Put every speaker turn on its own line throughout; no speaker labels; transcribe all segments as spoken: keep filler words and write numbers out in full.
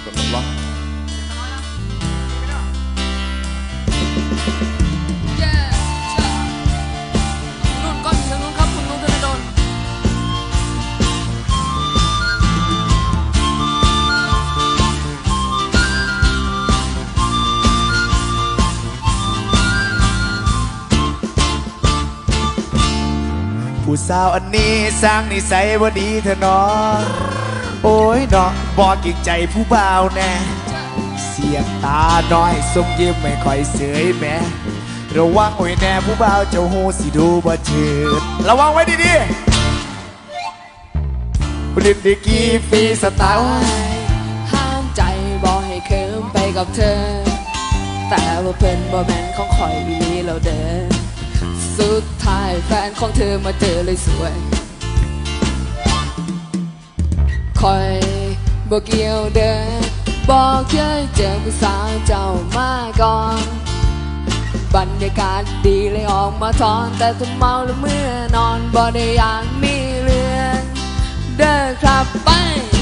ดลอง
นุ่นก้อนอยู่ทางนู้นครับคุณนุ่นธนดล
ผู้สาวอันนี้สร้างนิสัยบ่ดีเถอะน้องโอ้ยน้องบอกกิ่งใจผู้บ่าวแน่เสียงตาน้อยสมยิ้มไม่ค่อยเสยแม่ระวังไว้แน่ผู้บ่าวเจ้าหูสิดูบ่เถิดระวังไว้ดีๆผลิตดีกี่ปีสไตล์
ห้ามใจบอกให้เคิมไปกับเธอแต่ว่าเพิ่นบ่แม่นของข่อยอีหลีเราเดินสุดท้ายแฟนของเธอมาเจอเลยสวยคอยบอกเกี่ยวเดินบอกเคยเจอผู้สาวเจ้ามาก่อนบรรยากาศดีเลยออกมาทอนแต่ถ้าเมาแล้วเมื่อนอนบ่ได้อยากมีเรื่องเด้อครับไป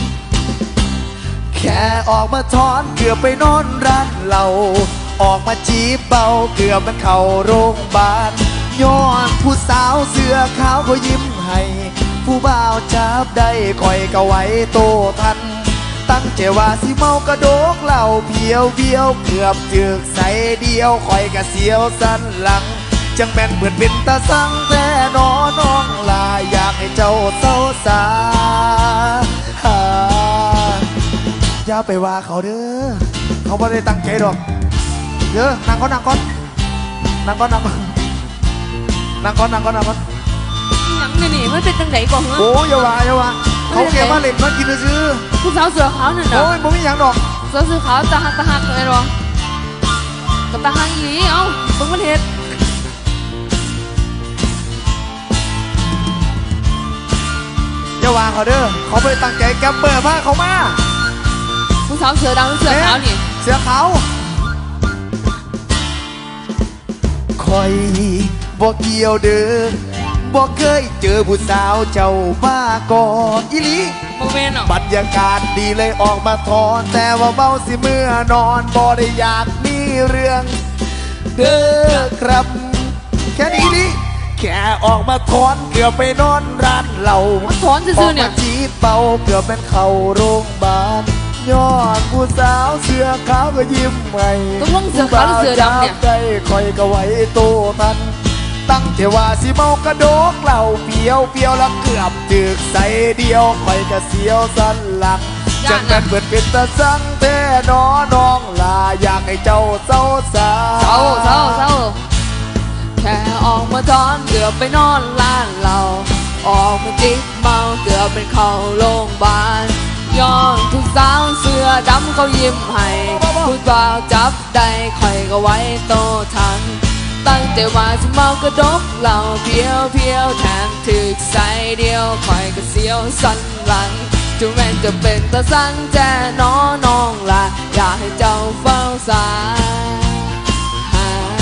แค่ออกมาถอนเกือบไปนอนร้านเหล้าออกมาจีบเบาเกือบมันเข้าโรงพยาบาลย้อนผู้สาวเสื้อขาวเขายิ้มให้ผู้บ่าวจับได้คอยก็ไว้โตทันตั้งใจว่าสิเมากระโดกเหล่าเพียวเบี้ยวเกือบจึกใส่เดียวคอยกะเสียวสันหลังจังแม่นเหมือนเป็นตาสังแต่นอน้องลาอยากให้เจ้าเศร้าสาอย่าไปว่าเขาเด้อเขาไม่ได้ตั้งใจหรอกเด้อนั่งก่อนนั่งก่อนนั่งก่อนนั่งก่อนนั่งก่อนนั่งก่อนนั่งก่อน
หยังนี่นี่มันเป็นจังไดก่อนเหรอ
โอ้ยอย่าว่าอย่าว่าเขาเก็บมาเล่นมากินซื้อ
ผู้สาวเสือขาวนั่นน่ะ
โอ้ยบ่มีหยังดอก
สาวเสือขาวตาหักตาหักเลยหรอกับตาหักอีหลีเอ้าเบิ่งมันเฮ็ด
อย่าว่าเขาเด้อเขาไม่ได้ตั้งใจแกมเปิดผ้าเขามา
ผู้สาวเสือดำหรือเสือขาวนี่
เสือขาวคอยบอกเกี่ยวเด้อบอกเคยเจอผู้สาวเจ้ามาก่อนอีหลีบรรยากาศดีเลยออกมาทอนแต่ว่าเมาสิเมื่อนอนบ่ได้อยากมีเรื่องเด้อครับแค่นี้ดิแค่ออกมาทอนเกือบไปนอนร้านเหล้า
ถอนซื่อๆเนี่ย
ออกมาจีบเบาเกือบเป็นเข้าโรงพยาบาลย้อนผู้สาวเสื้อขาวก็ยิ้มใหม่
ต้องลงเสือขาวหรือเสือดำเนี่ย
ใจคอยก็ไว้โตทันตั้งแต่ว่าสิเมากระโดกเหล่าเปียวเปียวแล้วเกือบจึกใส่เดียวคอยกระเสียวสันหลังจังกันเปิดเป็นตาสังแต่นอน้องลาอยากให้เจ้าเศร้าสา
เศร้าเศร้าเศร้าแค่ออกมาทอนเกือบไปนอนร้านเราออกมาจิบเมาเกือบเป็นเข้าโรงพยาบาลย้อนผู้สาวเสื้อดำเขายิ้มให้ผู้บ่าวจับได้คอยก็ไว้โตทันตั้งแต่ว่าสิเมากระดกเหล่าเพียวเพียวแถมถึกใส่เดียวคอยก็เสียวสันหลังถึงแม้จะเป็นตาสังแจ่น้อน้องลาอยากให้เจ้าเฝ้าสาย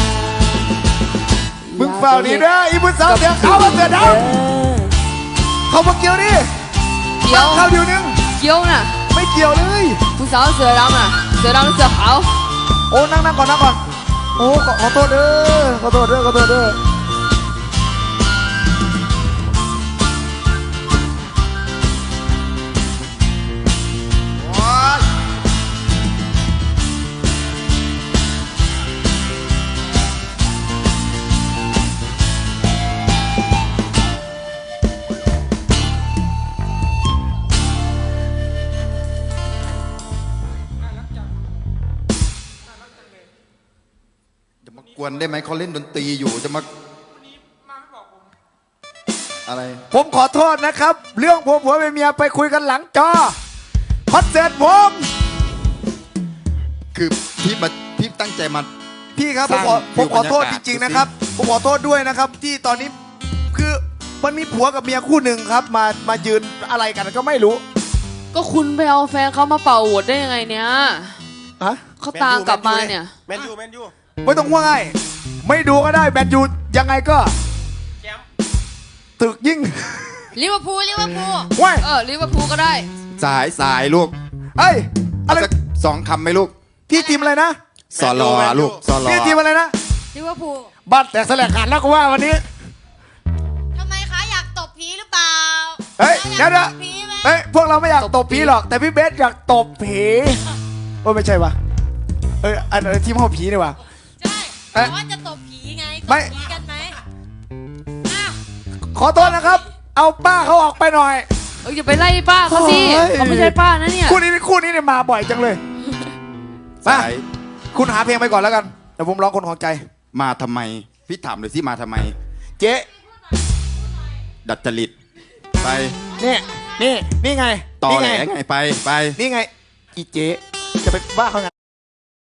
มึงเฝ้าดีเด้ออีผู้สาวเสือขาวเสือดำเขามาเกี่ยวดิ
เกี่ยว
เขาเดียวนึง
เกี่ยวน่ะ
ไม่เกี่ยวเลย
ผู้สาวเสือดำน่ะเสือดำเสือขาว
โอ้นั่งนั่งก่อนนั่งก่อนโอ้ขอโทษเด้อขอโทษเด้อขอโทษเด้อ
กวนได้ไหมเขาเล่นดนตรีอยู่จะมาอะไร
ผมขอโทษนะครับเรื่องผัวผัวเมียไปคุยกันหลังจอคอนเสิร์ตผม
คือพี่มาพี่ตั้งใจมา
พี่ครับผมขอผมขอโทษจริงๆนะครับผมขอโทษด้วยนะครับที่ตอนนี้คือมันมีผัวกับเมียคู่หนึ่งครับมามายืนอะไรกันก็ไม่รู้
ก็คุณไปเอาแฟนเขามาเป่าหัวได้ยังไงเนี่ย
ฮะ
เขาตามกลับมาเนี่ย
แมนยูแมนยู
ไม่ต้องว่าไงไม่ดูก็ได้แมนยูยังไงก็ตึกยิ่ง
ลิเวอร์พูลลิเวอร์พูล
ว้าย
เออลิเวอร์พูลก็ได้
สายสายลูก
เอ้ยอะไร
สสองคำไหมลูก
พี่ทีมอะไรนะ
สอรอลูกสอรอ
พี่ทีมอะไรนะ
ลิเวอร์พูล
บัตรแตกแสลกขาดแล้วก็ว่าวันนี้
ทำไมคะอยากตบผีหรือเปล่า
เฮ้ย
อ
เดี๋ย
ยาว ก
เดี๋ยว
ตบผีไหม
เฮ้ยพวกเราไม่อยากตบผีหรอก แต่พี่เบสอยากตบผีโอ้ยไม่ใช่วะเอ้ยอันอันทีมเขาผีนี่วะ
ใช่
เอ๊ะ
แต่ว่าจะตบผีไงต
ไม่
บผีกันไหมอ้าว
ขอโทษนะครับ เอาป้าเขาออกไปหน่อย
เอออย่าไปไล่ป้าเขาสิ
โอ้ย
เขาไม่ใช่ป้านะเนี่ย
คู่นี้คู่นี้เนี่ยมาบ่อยจังเลย
สาย
คุณหาเพลงไปก่อนแล้วกันเดี๋ยวผมร้องคนของใจ
มาทำไม พี่ถามเลยสิมาทำไม
เจ๊
ดัดจริตไป
นี่นี่นี่ไง
ต่อ
นี่
แหล
ไง
ไงไปไป
นี่ไงอีเจ๊จะไปว่าเขาไง